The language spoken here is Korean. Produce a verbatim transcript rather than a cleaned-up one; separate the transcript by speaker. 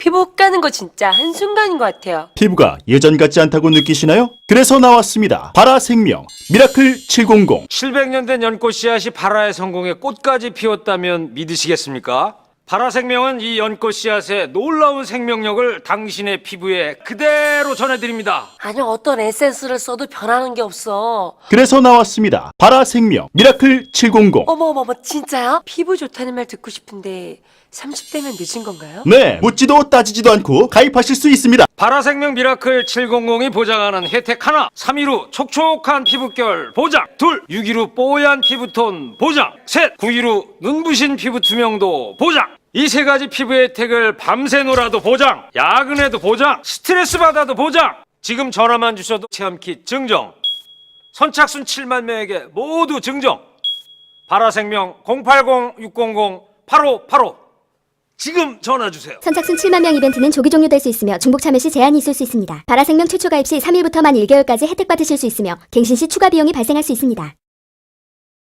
Speaker 1: 피부 까는 거 진짜 한순간인 것 같아요.
Speaker 2: 피부가 예전 같지 않다고 느끼시나요? 그래서 나왔습니다. 바라생명 미라클 칠공공.
Speaker 3: 칠백 년 된 연꽃 씨앗이 발화의 성공에 꽃까지 피웠다면 믿으시겠습니까? 발화생명은 이 연꽃 씨앗의 놀라운 생명력을 당신의 피부에 그대로 전해드립니다.
Speaker 1: 아니 어떤 에센스를 써도 변하는 게 없어.
Speaker 2: 그래서 나왔습니다. 바라생명 미라클 칠공공.
Speaker 1: 어머 어머 어머 진짜요? 피부 좋다는 말 듣고 싶은데 삼십 대면 늦은 건가요?
Speaker 2: 네, 묻지도 따지지도 않고 가입하실 수 있습니다.
Speaker 3: 발화생명 미라클 칠공공이 보장하는 혜택 하나, 삼일후 촉촉한 피부결 보장, 둘, 육일후 뽀얀 피부톤 보장, 셋, 구일후 눈부신 피부 투명도 보장. 이 세 가지 피부 혜택을 밤새 놀아도 보장, 야근해도 보장, 스트레스 받아도 보장. 지금 전화만 주셔도 체험킷 증정, 선착순 칠만 명에게 모두 증정. 발화생명 공팔공 육공공 팔오팔오 지금 전화 주세요.
Speaker 4: 선착순 칠만 명 이벤트는 조기 종료될 수 있으며 중복 참여 시 제한이 있을 수 있습니다. 바라생명 최초 가입 시 삼 일부터 만 일 개월까지 혜택 받으실 수 있으며 갱신 시 추가 비용이 발생할 수 있습니다.